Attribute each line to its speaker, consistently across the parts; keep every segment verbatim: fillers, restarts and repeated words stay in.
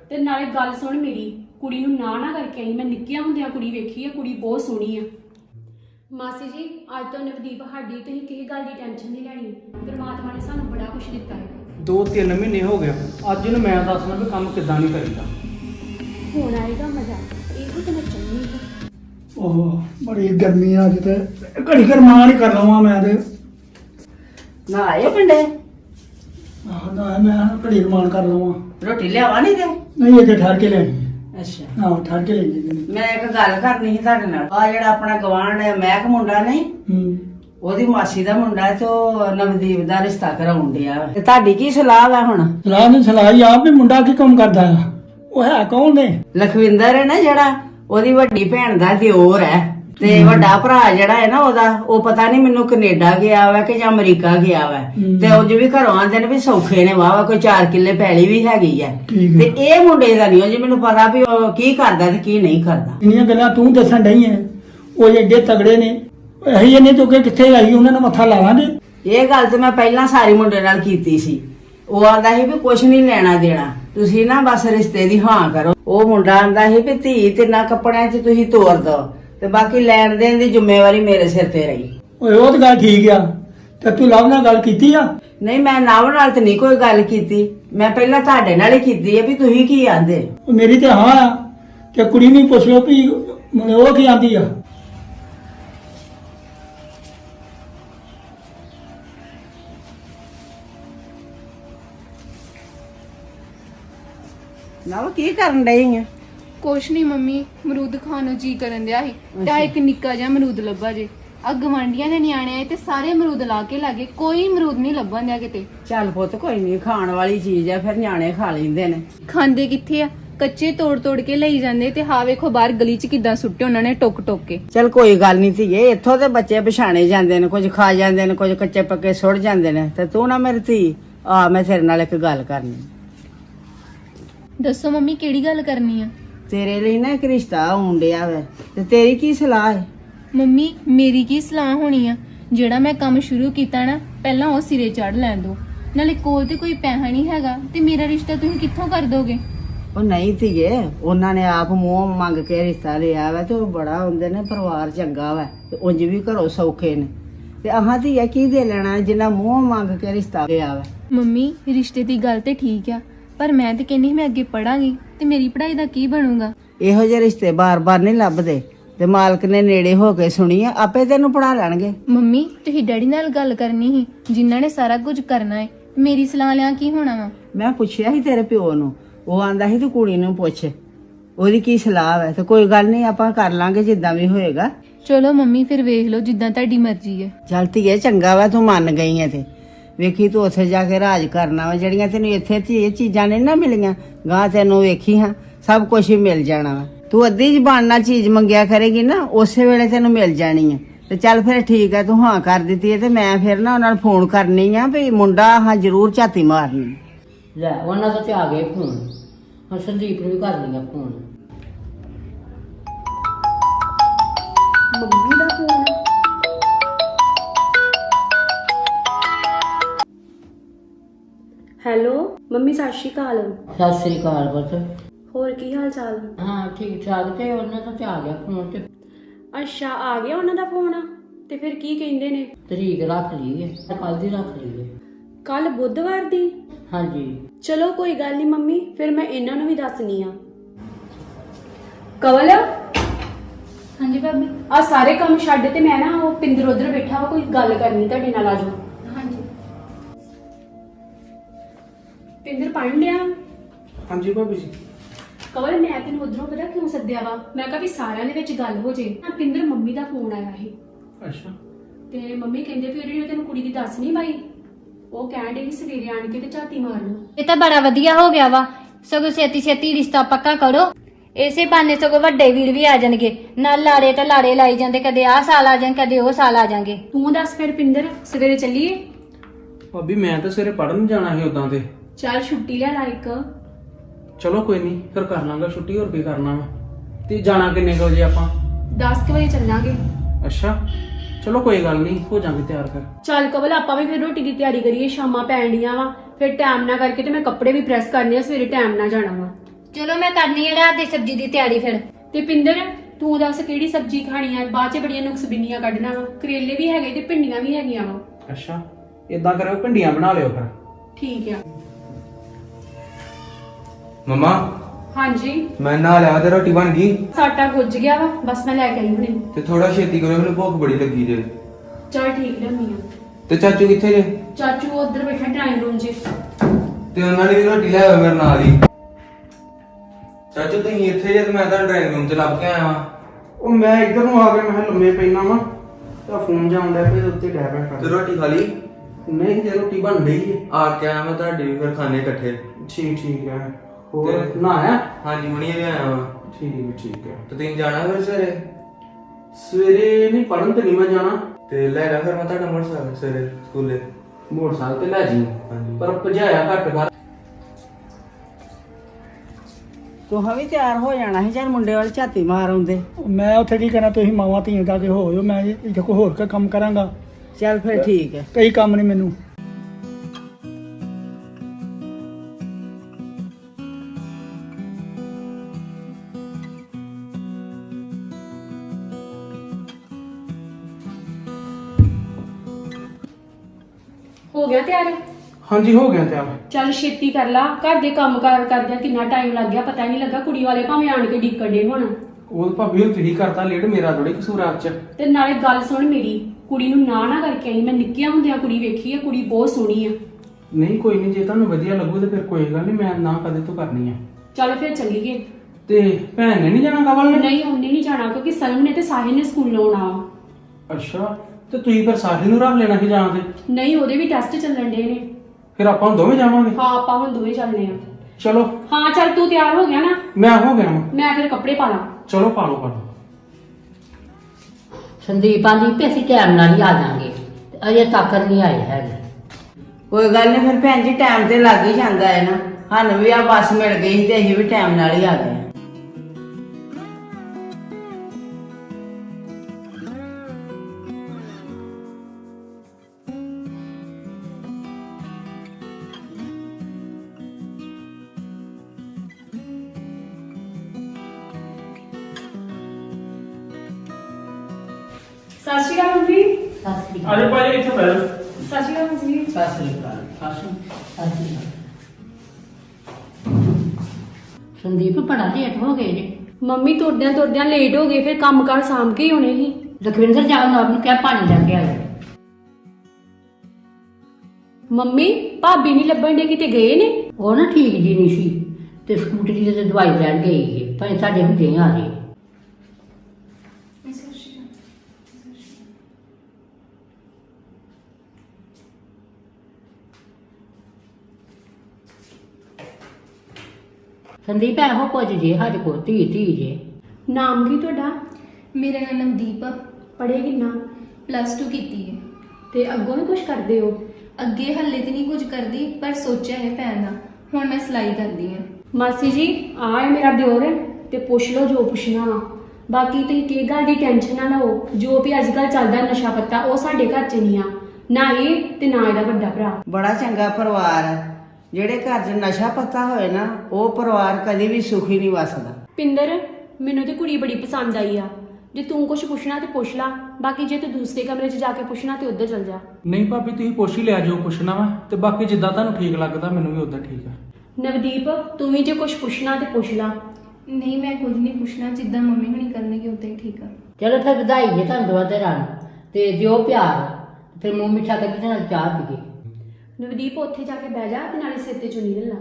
Speaker 1: ਤੇ ਨਾਲੇ ਗੱਲ ਸੁਣ ਮੇਰੀ, ਕੁੜੀ ਨੂੰ ਨਾ ਨਾ ਕਰਕੇ ਆਈ। ਮੈਂ ਨਿੱਕੀਆਂ ਹੁੰਦਿਆਂ ਕੁੜੀ ਵੇਖੀ ਆ, ਕੁੜੀ ਬਹੁਤ ਸੋਹਣੀ ਆ। ਮਾਸੀ ਜੀ ਅੱਜ ਤੋਂ ਨਵਦੀਪ ਸਾਡੀ, ਤੁਸੀਂ ਕਿਸੇ ਗੱਲ ਦੀ ਟੈਨਸ਼ਨ ਨਹੀਂ ਲੈਣੀ। ਪਰਮਾਤਮਾ ਨੇ ਸਾਨੂੰ ਬੜਾ ਕੁਝ ਦਿੱਤਾ ਹੈ।
Speaker 2: ਦੋ ਤਿੰਨ ਮਹੀਨੇ ਹੋ ਗਿਆ, ਅੱਜ ਨੂੰ ਮੈਂ ਦੱਸਣਾ ਵੀ ਕੰਮ ਕਿੱਦਾਂ ਨਹੀਂ ਕਰੀਦਾ।
Speaker 1: ਹੁਣ ਆਏਗਾ ਮਜ਼ਾ, ਇਹੋ ਤਾਂ ਮੈਂ ਚਾਹੁੰਦੀ ਹਾਂ।
Speaker 3: ਉਹ ਬੜੀ ਗਰਮੀ ਆ ਅੱਜ ਤੇ ਘੜੀ ਘਰ ਮਾਂ ਨਹੀਂ ਕਰ ਲਵਾਂ ਮੈਂ ਤੇ
Speaker 4: ਨਾ ਆਏ ਪਿੰਡੇ
Speaker 3: ਆਹ ਨਾ ਮੈਂ ਘੜੀ ਰਮਾਨ ਕਰ ਲਵਾਂ।
Speaker 4: ਰੋਟੀ ਲਿਆਵਾ ਨਹੀਂ ਤੇ
Speaker 3: ਨਹੀਂ ਅੱਗੇ ਠਹਿਰ ਕੇ ਲੈਣੀ ਹੈ।
Speaker 4: ਅੱਛਾ
Speaker 3: ਹਾਂ ਠਹਿਰ ਕੇ ਲੈਣੀ ਹੈ।
Speaker 4: ਮੈਂ ਇੱਕ ਗੱਲ ਕਰਨੀ ਸੀ ਤੁਹਾਡੇ ਨਾਲ। ਆ ਜਿਹੜਾ ਆਪਣਾ ਗਵਾਂਢ ਹੈ ਮਹਿਕ ਮੁੰਡਾ ਨਹੀਂ,
Speaker 3: ਹੂੰ
Speaker 4: ਉਹਦੀ ਮਾਸੀ ਦਾ ਮੁੰਡਾ ਹੈ ਤੇ ਉਹ ਨਵਦੀਪ ਦਾ ਰਿਸ਼ਤਾ ਕਰਾਉਣ ਡਿਆ ਵਾ। ਤੇ ਤੁਹਾਡੀ ਕੀ ਸਲਾਹ ਹੈ ਹੁਣ?
Speaker 3: ਸਲਾਹ ਨੂੰ ਸਲਾਹ ਹੀ ਆਪ ਵੀ ਮੁੰਡਾ ਕੀ ਕੰਮ ਕਰਦਾ ਆ? ਉਹ ਹੈ ਕੌਣ ਨੇ?
Speaker 4: ਲਖਵਿੰਦਰ ਹੈ ਨਾ ਜਿਹੜਾ, ਉਹਦੀ ਵੱਡੀ ਭੈਣ ਦਾ ਦਿਓਰ ਹੈ। ਤੇ ਵੱਡਾ ਭਰਾ ਜਿਹੜਾ ਹੈ ਨਾ ਉਹਦਾ, ਉਹ ਪਤਾ ਨਹੀਂ ਮੈਨੂੰ ਕੈਨੇਡਾ ਗਿਆ ਵਾ ਕਿ ਜਾਂ ਅਮਰੀਕਾ ਗਿਆ ਵਾ। ਤੇ ਉਹ ਵੀ ਘਰੋਂ ਆਂਦੇ ਨੇ ਵੀ ਸੌਖੇ ਨੇ ਵਾਵਾ, ਕੋਈ ਚਾਰ ਕਿੱਲੇ ਪੈਲੀ ਵੀ ਹੈਗੀ ਆ।
Speaker 3: ਠੀਕ
Speaker 4: ਤੇ ਇਹ ਮੁੰਡੇ ਦਾ ਨਹੀਂ ਉਹ ਜੀ ਮੈਨੂੰ ਪਤਾ ਵੀ ਉਹ ਕੀ ਕਰਦਾ ਤੇ ਕੀ ਨਹੀਂ ਕਰਦਾ।
Speaker 3: ਇੰਨੀਆਂ ਗੱਲਾਂ ਤੂੰ ਦੱਸਣ ਡਈ ਹੈ, ਉਹ ਏਡੇ ਤਗੜੇ ਨੇ। ਇਹੀ ਇਹਨੇ ਤੋਂ ਅੱਗੇ ਕਿੱਥੇ ਆਈ, ਉਹਨਾਂ ਨੂੰ ਮੱਥਾ ਲਾਵਾਂਗੇ।
Speaker 4: ਇਹ ਗੱਲ ਤੇ ਮੈਂ ਪਹਿਲਾਂ ਸਾਰੀ ਮੁੰਡੇ ਨਾਲ ਕੀਤੀ ਸੀ। ਉਹ ਆਂਦਾ ਸੀ ਵੀ ਕੁਛ ਨਹੀਂ ਲੈਣਾ ਦੇਣਾ, ਤੁਸੀਂ ਨਾ ਬਸ ਰਿਸ਼ਤੇ ਦੀ ਹਾਂ ਕਰੋ। ਉਹ ਮੁੰਡਾ ਆਂਦਾ ਸੀ ਵੀ ਧੀ ਤੇ ਨਾ ਕੱਪੜਿਆਂ 'ਚ ਤੁਸੀਂ ਤੋਰ ਦੋ, ਤੇ ਬਾਕੀ ਲੈਣ ਦੇਣ ਦੀ ਜ਼ਿੰਮੇਵਾਰੀ ਮੇਰੇ ਸਿਰ ਤੇ ਰਹੀ।
Speaker 3: ਓਏ ਉਹ ਤਾਂ ਗੱਲ ਠੀਕ ਆ, ਤੇ ਤੂੰ ਲਵ ਨਾਲ ਗੱਲ ਕੀਤੀ ਆ?
Speaker 4: ਨਹੀਂ ਮੈਂ ਨਾਵ ਨਾਲ ਤੇ ਨਹੀਂ ਕੋਈ ਗੱਲ ਕੀਤੀ, ਮੈਂ ਪਹਿਲਾਂ ਤੁਹਾਡੇ ਨਾਲ ਹੀ ਕੀਤੀ ਹੈ ਵੀ ਤੁਸੀਂ ਕੀ ਆਂਦੇ।
Speaker 3: ਉਹ ਮੇਰੀ ਤੇ ਹਾਂ ਆ, ਤੇ ਕੁੜੀ ਨੂੰ ਪੁੱਛ ਲਓ ਵੀ ਮਨੇ ਉਹ ਕੀ ਆਂਦੀ ਆ।
Speaker 4: ਨਾਵ ਕੀ ਕਰਨ ਡਈ ਆ?
Speaker 5: ਕੁਛ ਨਹੀਂ ਮੰਮੀ, ਅਮਰੂਦ ਖਾਣ ਨੂੰ ਜੀ ਕਰਨ ਦਿਆ ਸੀ। ਤਾਂ ਇੱਕ ਨਿੱਕਾ ਜਿਹਾ ਅਮਰੂਦ ਲੱਭਾ ਜੇ। ਆ ਗਵਾਂਢੀਆਂ ਦੇ ਨਿਆਣੇ ਆਏ ਤੇ ਸਾਰੇ ਅਮਰੂਦ ਲਾ ਕੇ ਲਾਗੇ, ਕੋਈ ਅਮਰੂਦ ਨਹੀਂ ਲੱਭਣ ਦਿਆ ਕਿਤੇ।
Speaker 4: ਚੱਲ ਪੁੱਤ ਕੋਈ ਨਹੀਂ, ਖਾਣ ਵਾਲੀ ਚੀਜ਼ ਆ, ਫਿਰ ਨਿਆਣੇ ਖਾ ਲੈਂਦੇ ਨੇ।
Speaker 5: ਖਾਂਦੇ ਕਿੱਥੇ ਆ, ਕੱਚੇ ਤੋੜ ਤੋੜ ਕੇ ਲਈ ਜਾਂਦੇ। ਤੇ ਹਾਂ ਵੇਖੋ ਬਾਹਰ ਗਲੀ 'ਚ ਕਿੱਦਾਂ ਸੁੱਟੇ ਉਹਨਾਂ ਨੇ ਟੁੱਕ ਟੁੱਕ ਕੇ।
Speaker 4: ਚੱਲ ਕੋਈ ਗੱਲ ਨਹੀਂ ਧੀਏ, ਇੱਥੋਂ ਦੇ ਬੱਚੇ ਪਛਾਣੇ ਜਾਂਦੇ ਨੇ, ਕੁਝ ਖਾ ਜਾਂਦੇ ਨੇ, ਕੁਝ ਕੱਚੇ ਪੱਕੇ ਸੁੱਟ ਜਾਂਦੇ ਨੇ। ਤੇ ਤੂੰ ਨਾ ਮੇਰੀ ਧੀ ਆ, ਮੈਂ ਤੇਰੇ ਨਾਲ ਇੱਕ ਗੱਲ ਕਰਨੀ।
Speaker 5: ਦੱਸੋ ਮੰਮੀ ਕਿਹੜੀ ਗੱਲ ਕਰਨੀ ਆ?
Speaker 4: ਤੇਰੇ ਲਈ ਨਾ ਇੱਕ ਰਿਸ਼ਤਾ ਆਉਣ ਡਿਆ ਵਾ, ਤੇ ਤੇਰੀ ਕੀ ਸਲਾਹ ਹੈ?
Speaker 5: ਮੰਮੀ ਮੇਰੀ ਕੀ ਸਲਾਹ ਹੋਣੀ ਆ? ਜਿਹੜਾ ਮੈਂ ਕੰਮ ਸ਼ੁਰੂ ਕੀਤਾ ਨਾ, ਪਹਿਲਾਂ ਉਹ ਸਿਰੇ ਚੜ ਲੈਣ ਦੋ। ਨਾਲੇ ਕੋਲ ਤੇ ਕੋਈ ਪੈਸਾ ਨਹੀਂ ਹੈਗਾ, ਤੇ ਮੇਰਾ ਰਿਸ਼ਤਾ ਤੁਸੀਂ ਕਿੱਥੋਂ ਕਰ ਦੋਗੇ?
Speaker 4: ਉਹ ਨਹੀਂ ਧੀਏ, ਉਹਨਾਂ ਨੇ ਆਪ ਮੂੰਹ ਮੰਗ ਕੇ ਰਿਸ਼ਤਾ ਲਿਆ ਵਾ, ਤੇ ਉਹ ਬੜਾ ਹੁੰਦੇ ਨੇ, ਪਰਿਵਾਰ ਚੰਗਾ ਵਾ, ਤੇ ਉਂਝ ਵੀ ਘਰੋਂ ਸੌਖੇ ਨੇ। ਤੇ ਆਹਾਂ ਧੀਏ ਕੀ ਦੇ ਲੈਣਾ ਜਿੰਨਾ ਮੂੰਹ ਮੰਗ ਕੇ ਰਿਸ਼ਤਾ ਲਿਆ ਵਾ।
Speaker 5: ਮੰਮੀ ਰਿਸ਼ਤੇ ਦੀ ਗੱਲ ਤੇ ਠੀਕ ਆ, ਪਰ ਮੈਂ ਤੇ ਕਹਿੰਦੀ ਮੈਂ ਅੱਗੇ ਪੜਾਂਗੀ, ਤੇ ਮੇਰੀ ਪੜ੍ਹਾਈ ਦਾ ਕੀ ਬਣੂਗਾ?
Speaker 4: ਇਹੋ ਜਿਹੇ ਰਿਸ਼ਤੇ ਬਾਰ-ਬਾਰ ਨਹੀਂ ਲੱਭਦੇ, ਤੇ ਮਾਲਕ ਨੇ ਨੇੜੇ ਹੋ ਕੇ ਸੁਣੀ ਆ, ਆਪੇ ਤੈਨੂੰ ਪੜਾ ਲੈਣਗੇ।
Speaker 5: ਮੰਮੀ ਤੁਸੀਂ ਡੈਡੀ ਨਾਲ ਗੱਲ ਕਰਨੀ ਸੀ, ਜਿਨ੍ਹਾਂ ਨੇ ਸਾਰਾ ਕੁਝ ਕਰਨਾ ਹੈ। ਮੇਰੀ ਸਲਾਹ ਲਿਆ ਕੀ ਹੋਣਾ ਵਾ?
Speaker 4: ਮੈਂ ਪੁੱਛਿਆ ਸੀ ਤੇਰੇ ਪਿਓ ਨੂੰ, ਉਹ ਆਂਦਾ ਸੀ ਤੂੰ ਕੁੜੀ ਨੂੰ ਪੁੱਛ ਉਹਦੀ ਕੀ ਸਲਾਹ ਹੈ। ਤੇ ਕੋਈ ਗੱਲ ਨਹੀਂ, ਆਪਾਂ ਕਰ ਲਾਂਗੇ ਜਿੱਦਾਂ ਵੀ ਹੋਏਗਾ।
Speaker 5: ਚਲੋ ਮੰਮੀ ਫਿਰ ਵੇਖ ਲਓ ਜਿੱਦਾਂ ਤੁਹਾਡੀ ਮਰਜ਼ੀ ਹੈ।
Speaker 4: ਚੱਲ ਧੀਏ ਚੰਗਾ ਵਾ, ਤੂੰ ਮੰਨ ਗਈ ਐ। ਤੇ ਵੇਖੀ ਤੂੰ ਉੱਥੇ ਜਾ ਕੇ ਰਾਜ ਕਰਨਾ ਵਾ, ਜਿਹੜੀਆਂ ਤੈਨੂੰ ਇੱਥੇ ਇਹ ਚੀਜ਼ਾਂ ਨਹੀਂ ਨਾ ਮਿਲੀਆਂ, ਗਾਂ ਤੈਨੂੰ ਵੇਖੀ ਹਾਂ ਸਭ ਕੁਝ ਹੀ ਮਿਲ ਜਾਣਾ ਵਾ। ਤੂੰ ਅੱਧੀ ਜ਼ਬਾਨ ਨਾਲ ਚੀਜ਼ ਮੰਗਿਆ ਕਰੇਗੀ ਨਾ, ਉਸੇ ਵੇਲੇ ਤੈਨੂੰ ਮਿਲ ਜਾਣੀ ਹੈ। ਤੇ ਚੱਲ ਫਿਰ ਠੀਕ ਹੈ, ਤੂੰ ਹਾਂ ਕਰ ਦਿੱਤੀ ਹੈ। ਤੇ ਮੈਂ ਫਿਰ ਨਾ ਉਹਨਾਂ ਨੂੰ ਫੋਨ ਕਰਨੀ ਆ ਵੀ ਮੁੰਡਾ ਹਾਂ ਜ਼ਰੂਰ ਝਾਤੀ ਮਾਰਨੀ।
Speaker 6: ਲੈ ਉਹਨਾਂ ਦਾ ਤੇ ਆ ਗਏ ਫੋਨ, ਹੁਣ ਸੰਦੀਪ ਨੂੰ ਵੀ ਕਰ ਲਿਆ ਫੋਨ।
Speaker 1: ਮੰਮੀ ਦਾ ਫੋਨ? ਹੈਲੋ ਮੰਮੀ, ਸਤਿ ਸ਼੍ਰੀ ਅਕਾਲ।
Speaker 6: ਸਤਿ ਸ੍ਰੀ ਅਕਾਲ ਪੁੱਤ।
Speaker 1: ਹੋਰ ਕੀ ਹਾਲ ਚਾਲ?
Speaker 6: ਹਾਂ ਠੀਕ ਠਾਕ। ਤੇ ਉਹਨਾਂ ਦਾ ਤੇ ਆ ਗਿਆ ਫੋਨ, ਤੇ
Speaker 1: ਅੱਛਾ ਆ ਗਿਆ ਉਹਨਾਂ ਦਾ ਫੋਨ? ਤੇ ਫਿਰ ਕੀ ਕਹਿੰਦੇ ਨੇ?
Speaker 6: ਤਰੀਕ ਰੱਖ ਲਈ ਹੈ, ਕੱਲ ਦੀ ਰੱਖ ਲਈ ਹੈ।
Speaker 1: ਕੱਲ ਬੁੱਧਵਾਰ ਦੀ?
Speaker 6: ਹਾਂਜੀ
Speaker 1: ਚਲੋ ਕੋਈ ਗੱਲ ਨਹੀਂ ਮੰਮੀ, ਫਿਰ ਮੈਂ ਇਹਨਾਂ ਨੂੰ ਵੀ ਦੱਸਣੀ ਆ। ਕਵਲ,
Speaker 5: ਹਾਂਜੀ ਭਾਬੀ।
Speaker 1: ਆ ਸਾਰੇ ਕੰਮ ਛੱਡ ਤੇ ਮੈਂ ਨਾ ਉਹ ਪਿੰਦਰ ਉਧਰ ਬੈਠਾ ਵਾ, ਕੋਈ ਗੱਲ ਕਰਨੀ ਤੁਹਾਡੇ ਨਾਲ। ਆਜੋ।
Speaker 5: ਹਾਂਜੀ
Speaker 1: ਪਿੰਦਰ ਪੜ੍ਹਨ ਡਿਆ?
Speaker 2: ਹਾਂਜੀ ਭਾਬੀ ਜੀ।
Speaker 1: ਕਵਲ ਮੈਂ ਤੈਨੂੰ ਉਧਰੋਂ ਪਤਾ ਕਿਉਂ ਸੱਦਿਆ ਵਾ? ਮੈਂ ਕਿਹਾ ਵੀ ਸਾਰਿਆਂ ਦੇ ਵਿੱਚ ਗੱਲ ਹੋ ਜੇ। ਪਿੰਦਰ ਮੰਮੀ ਦਾ ਫੋਨ ਆਇਆ ਸੀ,
Speaker 2: ਅੱਛਾ।
Speaker 1: ਤੇ ਮੰਮੀ ਕਹਿੰਦੇ ਵੀ ਉਹਦੀ ਤੈਨੂੰ ਕੁੜੀ ਦੀ ਦੱਸ ਨਹੀਂ ਪਾਈ, ਉਹ ਕਹਿਣ ਡਈ ਸੀ ਸਵੇਰੇ ਆਣ ਕੇ ਤੇ ਝਾਤੀ ਮਾਰ ਲਓ।
Speaker 7: ਇਹ ਤਾਂ ਬੜਾ ਵਧੀਆ ਹੋ ਗਿਆ ਵਾ, ਸਗੋਂ ਛੇਤੀ ਛੇਤੀ ਰਿਸ਼ਤਾ ਪੱਕਾ ਕਰੋ। ਇਸੇ ਬਹਾਨੇ ਸਗੋਂ ਵੱਡੇ ਵੀਰ ਵੀ ਆ ਜਾਣਗੇ, ਨਾਲ ਲਾੜੇ ਤੇ ਲਾੜੇ ਲਾਈ ਜਾਂਦੇ, ਕਦੇ ਆਹ ਸਾਲ ਆ ਜਾਣ ਕਦੇ ਉਹ ਸਾਲ ਆ ਜਾਣਗੇ।
Speaker 1: ਤੂੰ ਦੱਸ ਫਿਰ ਪਿੰਦਰ, ਸਵੇਰੇ ਚੱਲੀਏ?
Speaker 2: ਭਾਬੀ ਮੈਂ ਤਾਂ ਸਵੇਰੇ ਪੜਨ ਜਾਣਾ ਸੀ ਉਦਾਂ ਤੇ।
Speaker 1: ਚੱਲ ਛੁੱਟੀ ਲੈ ਲਾ ਇੱਕ।
Speaker 2: ਚਲੋ ਕੋਈ ਨਹੀਂ, ਫਿਰ ਕਰ ਲਾਂਗਾ ਛੁੱਟੀ, ਹੋਰ ਕੀ ਕਰਨਾ ਵਾ। ਤੇ ਜਾਣਾ ਕਿੰਨੇ ਕੁ ਵਜੇ ਆਪਾਂ?
Speaker 1: ਦਸ ਕੁ ਵਜੇ ਚੱਲਾਂਗੇ।
Speaker 2: ਅੱਛਾ ਚਲੋ ਕੋਈ ਗੱਲ ਨਹੀਂ, ਹੋ ਜਾਵਾਂਗੇ ਤਿਆਰ ਫਿਰ।
Speaker 1: ਚੱਲ ਕਵਲ ਆਪਾਂ ਵੀ ਫਿਰ ਰੋਟੀ ਦੀ ਤਿਆਰੀ ਕਰੀਏ, ਸ਼ਾਮਾਂ ਪੈਣ ਡੀਆਂ ਵਾ, ਫਿਰ ਟਾਈਮ ਨਾ ਕਰਕੇ ਤੇ ਮੈਂ ਕੱਪੜੇ ਵੀ ਪ੍ਰੈਸ ਕਰਨੇ ਆ, ਸਵੇਰੇ ਟਾਈਮ ਨਾਲ ਜਾਣਾ ਵਾ।
Speaker 7: ਚਲੋ ਮੈਂ ਕਰਨੀ ਹੈ ਰਾਤ ਦੀ ਸਬਜ਼ੀ ਦੀ ਤਿਆਰੀ ਫਿਰ।
Speaker 1: ਤੇ ਪਿੰਦਰ ਤੂੰ ਦੱਸ ਕਿਹੜੀ ਸਬਜ਼ੀ ਖਾਣੀ ਆ? ਬਾਅਦ ਚ ਬੜੀਆਂ ਨੁਕਸ ਬਿੰਨੀਆਂ ਕੱਢਣਾ ਵਾ। ਕਰੇਲੇ ਵੀ ਹੈਗੇ ਤੇ ਭਿੰਡੀਆਂ ਵੀ ਹੈਗੀਆਂ ਵਾ।
Speaker 2: ਅੱਛਾ ਇਦਾਂ ਕਰਿਓ ਭਿੰਡੀਆਂ ਬਣਾ ਲਿਓ ਫਿਰ।
Speaker 1: ਠੀਕ ਆ।
Speaker 8: ਮਮਾ
Speaker 1: ਹਾਂਜੀ
Speaker 8: ਮੈਂ ਨਾ ਲਿਆ ਤੇ ਰੋਟੀ ਬਣ ਗਈ
Speaker 1: ਸਾਟਾ ਗੁੱਜ ਗਿਆ ਵਾ, ਬਸ ਮੈਂ ਲੈ ਕੇ ਆਈ ਹੁਣੇ।
Speaker 8: ਤੇ ਥੋੜਾ ਛੇਤੀ ਕਰੋ, ਮੈਨੂੰ ਭੁੱਖ ਬੜੀ ਲੱਗੀ ਜੇ।
Speaker 1: ਚਲ ਠੀਕ ਲਿਆਉਂਦੀ ਆ।
Speaker 8: ਤੇ ਚਾਚੂ ਕਿੱਥੇ ਜੇ?
Speaker 1: ਚਾਚੂ ਉਧਰ ਬੈਠਾ ਡਰਾਇੰਗ ਰੂਮ 'ਚ।
Speaker 8: ਤੇ ਉਹਨਾਂ ਨੇ ਵੀ ਰੋਟੀ ਲੈ ਆਓ ਮੇਰੇ ਨਾਲ ਹੀ। ਚਾਚੂ ਤੁਸੀਂ ਇੱਥੇ ਜੇ ਤੇ ਮੈਂ ਤਾਂ ਡਰਾਇੰਗ ਰੂਮ ਚ ਲੱਭ ਕੇ ਆਇਆ ਵਾਂ।
Speaker 2: ਉਹ ਮੈਂ ਇੱਧਰ ਨੂੰ ਆ ਗਿਆ, ਮੈਂ ਕਿਹਾ ਲੰਮੇ ਪੈਣਾ ਵਾ ਤਾਂ ਫੋਨ ਜਾਉਂਦਾ ਪਿਆ ਤੇ ਉੱਤੇ ਡੈ ਪਿਆ
Speaker 8: ਤੇ
Speaker 2: ਕਰ।
Speaker 8: ਰੋਟੀ ਖਾ ਲਈ?
Speaker 2: ਨਹੀਂ ਜੇ ਰੋਟੀ ਬਣ ਰਹੀ ਹੈ।
Speaker 8: ਆ ਕੇ ਆਇਆ ਮੈਂ ਤੁਹਾਡੇ ਵੀ ਫਿਰ ਖਾਣੇ ਇਕੱਠੇ।
Speaker 2: ਠੀਕ ਠੀਕ ਹੈ। ਹੋਰ
Speaker 8: ਤੇ-
Speaker 2: ਨਾ ਆਇਆ?
Speaker 8: ਹਾਂਜੀ ਹੁਣੀ ਵੀ ਆਇਆ ਵਾਂ।
Speaker 2: ਠੀਕ ਹੈ ਠੀਕ ਹੈ।
Speaker 8: ਤੇ ਤੁਸੀਂ ਜਾਣਾ ਫਿਰ ਸਵੇਰੇ?
Speaker 2: ਸਵੇਰੇ ਨਹੀਂ ਪੜਨ ਤੇ ਨਹੀਂ ਮੈਂ ਜਾਣਾ।
Speaker 8: ਤੇ ਲੈ ਜਾ ਫਿਰ ਮੈਂ ਤੁਹਾਡਾ ਮੋਟਰਸਾਈਕਲ ਸਵੇਰੇ ਸਕੂਲੇ।
Speaker 2: ਮੋਟਰਸਾਈਕਲ ਤੇ ਲੈ ਜੀ,
Speaker 8: ਹਾਂਜੀ।
Speaker 2: ਪਰ ਭਜਾਇਆ ਘੱਟ ਕਰ।
Speaker 4: ਤੂੰ ਹਵੀ ਤਿਆਰ ਹੋ ਜਾਣਾ ਸੀ, ਚੱਲ ਮੁੰਡੇ ਵਾਲੇ ਝਾਤੀ ਮਾਰ ਆਉਂਦੇ।
Speaker 3: ਮੈਂ ਉੱਥੇ ਕੀ ਕਰਾਂ, ਤੁਸੀਂ ਮਾਵਾਂ ਧੀਆਂ ਜਾ ਕੇ ਹੋਇਓ, ਮੈਂ ਇੱਥੇ ਕੋਈ ਹੋਰ ਕੋਈ ਕੰਮ ਕਰਾਂਗਾ।
Speaker 4: ਚੱਲ ਫਿਰ ਠੀਕ ਹੈ।
Speaker 3: ਕਈ ਕੰਮ ਨਹੀਂ ਮੈਨੂੰ।
Speaker 1: ਹੋ ਗਿਆ ਤਿਆਰ?
Speaker 2: ਹਾਂਜੀ ਹੋ ਗਿਆ ਤਿਆਰ।
Speaker 1: ਚੱਲ ਛੇਤੀ ਕਰ ਲਾ, ਘਰ ਦੇ ਕੰਮ ਕਾਰ ਕਰਦਿਆਂ ਕਿੰਨਾ ਟਾਈਮ ਲੱਗ ਗਿਆ ਪਤਾ ਨਹੀਂ ਲੱਗਾ। ਕੁੜੀ ਵਾਲੇ ਭਾਵੇਂ ਆਣ ਕੇ ਡਿੱਕਣ ਡੇ ਹੁਣ।
Speaker 2: ਉਹ ਭਾਬੀ ਉਹ ਤੁਸੀਂ ਕਰਤਾ ਲੇਟ, ਮੇਰਾ ਥੋੜੀ ਕਸੂਰ ਆਪ ਚ।
Speaker 1: ਤੇ ਨਾਲੇ ਗੱਲ ਸੁਣ ਮੇਰੀ, ਕੁੜੀ ਨੂੰ ਨਾ ਨਾ ਕਰਕੇ ਆਈ। ਮੈਂ ਨਿੱਕੀਆਂ ਹੁੰਦਿਆਂ ਕੁੜੀ ਵੇਖੀ ਆ, ਕੁੜੀ ਬਹੁਤ ਸੋਹਣੀ ਆ।
Speaker 2: ਨਹੀਂ ਕੋਈ ਨਹੀਂ, ਜੇ ਤੁਹਾਨੂੰ ਵਧੀਆ ਲੱਗੂ ਤੇ ਫਿਰ ਕੋਈ ਗੱਲ ਨਹੀਂ, ਮੈਂ ਨਾ ਕਦੇ ਤੋਂ ਕਰਨੀ ਆ।
Speaker 1: ਚੱਲ ਫਿਰ ਚੱਲੀਏ।
Speaker 2: ਤੇ ਭੈਣ ਨੇ ਨਹੀਂ ਜਾਣਾ ਕਵਲ ਨੇ?
Speaker 1: ਨਹੀਂ ਉਹਨੇ ਨਹੀਂ ਜਾਣਾ, ਕਿਉਂਕਿ ਸਲਮ ਨੇ ਤੇ ਸਾਹਿਲ ਨੇ ਸਕੂਲੋਂ ਆਉਣਾ।
Speaker 2: ਅੱਛਾ ਤੇ ਤੁਸੀਂ ਫਿਰ ਸਾਹਿਲ ਨੂੰ ਰੱਖ ਲੈਣਾ ਸੀ ਜਾਂ ਤੇ?
Speaker 1: ਨਹੀਂ ਉਹਦੇ ਵੀ ਟੈਸਟ ਚੱਲਣ ਡੇ ਨੇ।
Speaker 2: ਫਿਰ ਆਪਾਂ ਹੁਣ ਦੋਵੇਂ ਜਾਵਾਂਗੇ।
Speaker 1: ਹਾਂ ਆਪਾਂ ਹੁਣ ਦੋਵੇਂ ਚੱਲਨੇ ਆ।
Speaker 2: ਚਲੋ
Speaker 1: ਹਾਂ ਚੱਲ ਤੂੰ ਤਿਆਰ ਹੋ ਗਿਆ ਨਾ?
Speaker 2: ਮੈਂ ਹੋ ਗਿਆ ਵਾਂ।
Speaker 1: ਮੈਂ ਫਿਰ ਕੱਪੜੇ ਪਾ ਲਾਂ।
Speaker 2: ਚਲੋ ਪਾ ਲਓ ਪਾ ਲਓ।
Speaker 6: ਸੰਦੀਪ ਆਂਦੀ ਵੀ ਅਸੀਂ ਟਾਈਮ ਨਾਲ ਹੀ ਆ ਜਾਾਂਗੇ, ਅਜੇ ਤੱਕ ਨਹੀਂ ਆਏ ਹੈਗੇ।
Speaker 4: ਕੋਈ ਗੱਲ ਨਹੀਂ, ਫਿਰ ਭੈਣ ਜੀ ਟਾਈਮ ਤੇ ਲੱਗ ਹੀ ਜਾਂਦਾ ਹੈ ਨਾ। ਸਾਨੂੰ ਵੀ ਆ ਬੱਸ ਮਿਲ ਗਈ ਸੀ ਤੇ ਅਸੀਂ ਵੀ ਟਾਈਮ ਨਾਲ ਹੀ ਆ ਗਏ।
Speaker 1: ਸਤਿ ਸ਼੍ਰੀ ਅਕਾਲ ਮੰਮੀ।
Speaker 6: ਸਤਿ ਸ੍ਰੀ
Speaker 2: ਆਜੋ
Speaker 6: ਅਕਾਲ।
Speaker 2: ਭਾਜੀ ਇੱਥੇ ਬਹਿ ਜਾਓ।
Speaker 1: ਸਤਿ ਸ਼੍ਰੀ ਅਕਾਲ ਜੀ।
Speaker 6: ਸਤਿ ਸ੍ਰੀ ਅਕਾਲ। ਸਤਿ ਸ੍ਰੀ ਅਕਾਲ। ਸੰਦੀਪ ਬੜਾ ਲੇਟ ਹੋ ਗਏ ਜੀ।
Speaker 1: ਮੰਮੀ ਤੁਰਦਿਆਂ ਤੁਰਦਿਆਂ ਲੇਟ ਹੋ ਗਏ, ਫਿਰ ਕੰਮ ਕਾਰ ਸਾਂਭ ਕੇ ਹੀ ਹੋਣੇ ਸੀ।
Speaker 6: ਲਖਵਿੰਦਰ ਜਾ ਉਹਨਾਂ ਨੂੰ ਕਹਿ ਪਾਣੀ ਲੈ ਕੇ ਆ ਜਾ।
Speaker 1: ਮੰਮੀ ਭਾਬੀ ਨਹੀਂ ਲੱਭਣ ਦੇ, ਕਿਤੇ ਗਏ ਨੇ?
Speaker 6: ਉਹ ਨਾ ਠੀਕ ਜੀ ਨਹੀਂ ਸੀ ਤੇ ਸਕੂਟਰੀ ਤੇ ਦਵਾਈ ਲੈਣ ਗਈ ਸੀ, ਭਾਵੇਂ ਸਾਡੇ ਹੁੰਦੇ ਆ ਜੀ। ਸੰਦੀਪ ਇਹੋ ਕੁਝ ਜੇ ਸਾਡੇ ਕੋਲ ਧੀ ਧੀ ਜੇ।
Speaker 1: ਨਾਮ ਕੀ ਤੁਹਾਡਾ?
Speaker 5: ਮੇਰਾ ਨਾਮ ਨਵਦੀਪ ਆ।
Speaker 1: ਪੜ੍ਹੇ ਕਿੰਨਾ?
Speaker 5: ਪਲੱਸ ਟੂ ਕੀਤੀ ਹੈ।
Speaker 1: ਤੇ ਅੱਗੋਂ ਵੀ ਕੁਝ ਕਰਦੇ ਹੋ?
Speaker 5: ਅੱਗੇ ਹੱਲੇ ਤੇ ਨਹੀਂ ਕੁਝ ਕਰਦੀ, ਪਰ ਸੋਚਿਆ ਹੈ ਭੈਣ ਦਾ। ਹੁਣ ਮੈਂ ਸਿਲਾਈ ਕਰਦੀ ਹਾਂ।
Speaker 1: ਮਾਸੀ ਜੀ ਆ ਹੈ ਮੇਰਾ ਦਿਓਰ, ਤੇ ਪੁੱਛ ਲਓ ਜੋ ਪੁੱਛਣਾ ਵਾ। ਬਾਕੀ ਤੁਸੀਂ ਕੀ ਗੱਲ ਦੀ ਟੈਨਸ਼ਨ ਨਾ ਲਓ। ਜੋ ਵੀ ਅੱਜ ਕੱਲ੍ਹ ਚੱਲਦਾ ਨਸ਼ਾ ਪੱਤਾ, ਉਹ ਸਾਡੇ ਘਰ 'ਚ ਨਹੀਂ ਆ, ਨਾ ਇਹ ਤੇ ਨਾ ਇਹਦਾ ਵੱਡਾ ਭਰਾ।
Speaker 4: ਬੜਾ ਚੰਗਾ ਪਰਿਵਾਰ ਹੈ। ਜਿਹੜੇ ਘਰ 'ਚ ਨਸ਼ਾ ਪੱਤਾ ਹੋਏ ਨਾ, ਉਹ ਪਰਿਵਾਰ ਕਦੀ ਵੀ ਸੁਖੀ ਨਹੀਂ ਵਸਦਾ।
Speaker 1: ਪਿੰਦਰ ਮੈਨੂੰ ਤੇ ਕੁੜੀ ਬੜੀ ਪਸੰਦ ਆਈ ਆ। ਜੇ ਤੂੰ ਕੁਝ ਪੁੱਛਣਾ ਤੇ ਪੁੱਛ ਲਾ, ਬਾਕੀ ਜੇ ਤੂੰ ਦੂਸਰੇ ਕਮਰੇ 'ਚ ਜਾ ਕੇ ਪੁੱਛਣਾ ਤੇ ਉੱਧਰ ਚਲ ਜਾ।
Speaker 2: ਨਹੀਂ ਭਾਬੀ ਤੁਸੀਂ ਪੁੱਛ ਹੀ ਲਿਆ ਜੋ ਪੁੱਛਣਾ ਵਾ, ਤੇ ਬਾਕੀ ਜਿੱਦਾਂ ਤੁਹਾਨੂੰ ਠੀਕ ਲੱਗਦਾ ਮੈਨੂੰ ਵੀ ਉਦਾਂ ਠੀਕ ਆ।
Speaker 1: ਨਵਦੀਪ ਤੂੰ ਵੀ ਜੇ ਕੁਝ ਪੁੱਛਣਾ ਤੇ ਪੁੱਛ ਲਾ।
Speaker 5: ਨਹੀਂ ਮੈਂ ਕੁਝ ਨਹੀਂ ਪੁੱਛਣਾ, ਜਿੱਦਾਂ ਮੰਮੀ ਹੁਣੀ ਕਰਨਗੇ ਉਦਾਂ ਹੀ ਠੀਕ ਆ।
Speaker 6: ਚਲੋ ਫਿਰ ਵਧਾਈ ਜੇ ਤੁਹਾਨੂੰ ਦੋਵਾਂ ਧਿਰਾਂ ਨੂੰ, ਤੇ ਦਿਓ ਪਿਆਰ, ਫਿਰ ਮੂੰਹ ਮਿੱਠਾ ਕਰਕੇ ਤੇ ਨਾਲ ਚਾਹ ਪੀਏ।
Speaker 1: ਨਵਦੀਪ ਉੱਥੇ ਜਾ ਕੇ ਬਹਿ ਜਾ ਤੇ ਨਾਲੇ ਸਿਰ ਤੇ ਚੁੰਨੀ ਲੈ ਲਾ।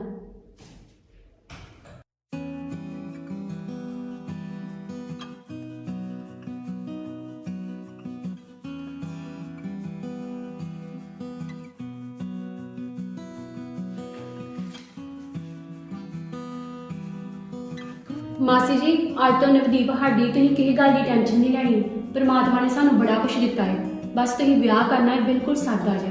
Speaker 1: ਮਾਸੀ ਜੀ ਅੱਜ ਤੋਂ ਨਵਦੀਪ ਸਾਡੀ, ਤੁਸੀਂ ਕਿਸੇ ਗੱਲ ਦੀ ਟੈਨਸ਼ਨ ਨਹੀਂ ਲੈਣੀ। ਪ੍ਰਮਾਤਮਾ ਨੇ ਸਾਨੂੰ ਬੜਾ ਕੁਝ ਦਿੱਤਾ ਹੈ, ਬਸ ਤੁਸੀਂ ਵਿਆਹ ਕਰਨਾ ਹੈ ਬਿਲਕੁਲ ਸਾਦਾ ਜਿਹਾ।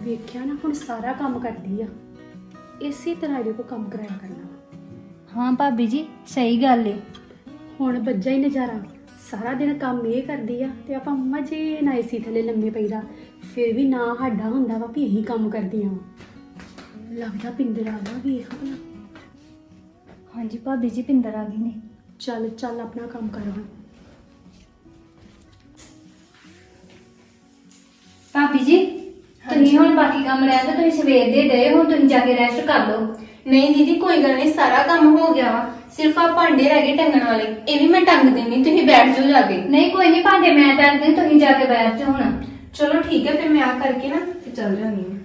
Speaker 1: ਵੇਖਿਆ ਨਾ ਹੁਣ ਸਾਰਾ ਕੰਮ ਕਰਦੀ ਆ। ਇਸੇ ਤਰ੍ਹਾਂ ਇਹਦੇ ਕੋਲ ਕੰਮ ਕਰਾਇਆ ਕਰਨਾ ਵਾ।
Speaker 7: ਹਾਂ ਭਾਬੀ ਜੀ ਸਹੀ ਗੱਲ ਏ।
Speaker 1: ਹੁਣ ਬੱਜਾ ਹੀ ਨਜ਼ਾਰਾ, ਸਾਰਾ ਦਿਨ ਕੰਮ ਇਹ ਕਰਦੀ ਆ ਤੇ ਆਪਾਂ ਮਜੇ ਨਾਲ ਏਸੀ ਥੱਲੇ ਲੰਮੇ ਪਈਦਾ। ਫਿਰ ਵੀ ਨਾ ਸਾਡਾ ਹੁੰਦਾ ਵਾ ਵੀ ਇਹੀ ਕੰਮ ਕਰਦੀਆਂ ਵਾ। ਲੱਗਦਾ ਪਿੰਦਰ ਆ ਵਾ ਵੇਖ ਭਲਾ।
Speaker 7: ਹਾਂਜੀ ਭਾਬੀ ਜੀ ਪਿੰਦਰ ਆ ਗਈ ਨੇ।
Speaker 1: ਚੱਲ ਚੱਲ ਆਪਣਾ ਕੰਮ ਕਰ ਹੁਣ।
Speaker 7: ਭਾਬੀ ਜੀ ਤੁਸੀਂ ਹੁਣ ਬਾਕੀ ਕੰਮ ਰਹਿ ਤਾਂ ਤੁਸੀਂ ਸਵੇਰ ਦੇ ਗਏ ਹੁਣ ਤੁਸੀਂ ਜਾ ਕੇ ਰੈਸਟ ਕਰ ਲਓ।
Speaker 5: ਨਹੀਂ ਦੀਦੀ ਕੋਈ ਗੱਲ ਨਹੀਂ, ਸਾਰਾ ਕੰਮ ਹੋ ਗਿਆ ਵਾ, ਸਿਰਫ ਆ ਭਾਂਡੇ ਰਹਿ ਗਏ ਟੰਗਣ ਵਾਲੇ, ਇਹ ਵੀ ਮੈਂ ਟੰਗ ਦੇਣੀ, ਤੁਸੀਂ ਬੈਠ ਜਾਓ ਜਾ ਕੇ।
Speaker 7: ਨਹੀਂ ਕੋਈ ਨਹੀਂ ਭਾਂਡੇ ਮੈਂ ਟੰਗਦੇ ਤੁਸੀਂ ਜਾ ਕੇ ਬੈਠ ਜਾਓ ਹੁਣ।
Speaker 5: ਚਲੋ ਠੀਕ ਹੈ, ਫਿਰ ਮੈਂ ਆ ਕਰਕੇ ਨਾ ਤੇ ਚੱਲ ਜਾਂਦੀ ਹਾਂ।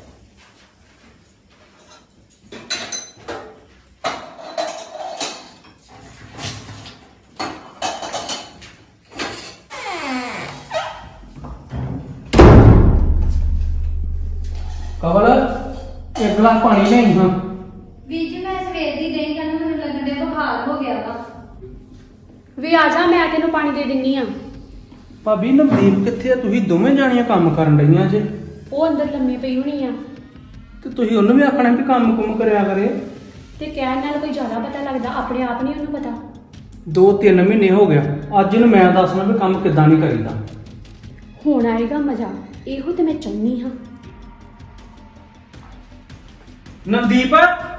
Speaker 2: ਕਵਲ ਇੱਕ ਗਲਾਸ ਪਾਣੀ ਲਿਆਈ ਹਾਂ।
Speaker 7: ਵੀਰ ਜੀ ਮੈਂ ਸਵੇਰ ਦੀ ਗਈ ਕਹਿੰਦਾ ਮੈਨੂੰ ਲੱਗਣ ਦੇ ਬੁਖਾਰ ਹੋ ਗਿਆ ਵਾ।
Speaker 1: ਵੀ ਆ ਜਾ, ਮੈਂ ਤੈਨੂੰ ਪਾਣੀ ਦੇ ਦਿੰਨੀ ਆ।
Speaker 2: ਭਾਬੀ ਨਵਦੀਪ ਕਿੱਥੇ ਆ? ਤੁਸੀਂ ਦੋਵੇਂ ਜਾਣੀਆਂ ਕੰਮ ਕਰਨ ਡਈਆਂ ਜੇ
Speaker 1: ਉਹ ਅੰਦਰ ਲੰਮੇ ਪਈ ਹੋਣੀ ਆ
Speaker 2: ਤੇ ਤੁਸੀਂ ਉਹਨੂੰ ਵੀ ਆਖਣਾ ਵੀ ਕੰਮ ਕੁਮ ਕਰਿਆ ਕਰੇ।
Speaker 1: ਤੇ ਕਹਿਣ ਨਾਲ ਕੋਈ ਜ਼ਿਆਦਾ ਪਤਾ ਲੱਗਦਾ, ਆਪਣੇ ਆਪ ਨਹੀਂ ਉਹਨੂੰ ਪਤਾ।
Speaker 2: ਦੋ ਤਿੰਨ ਮਹੀਨੇ ਹੋ ਗਿਆ, ਅੱਜ ਨੂੰ ਮੈਂ ਦੱਸਣਾ ਵੀ ਕੰਮ ਕਿੱਦਾਂ ਨਹੀਂ ਕਰੀਦਾ।
Speaker 1: ਹੁਣ ਆਏਗਾ ਮਜ਼ਾ, ਇਹੋ ਤੇ ਮੈਂ ਚਾਹੁੰਦੀ ਹਾਂ।
Speaker 2: ਨਵਦੀਪ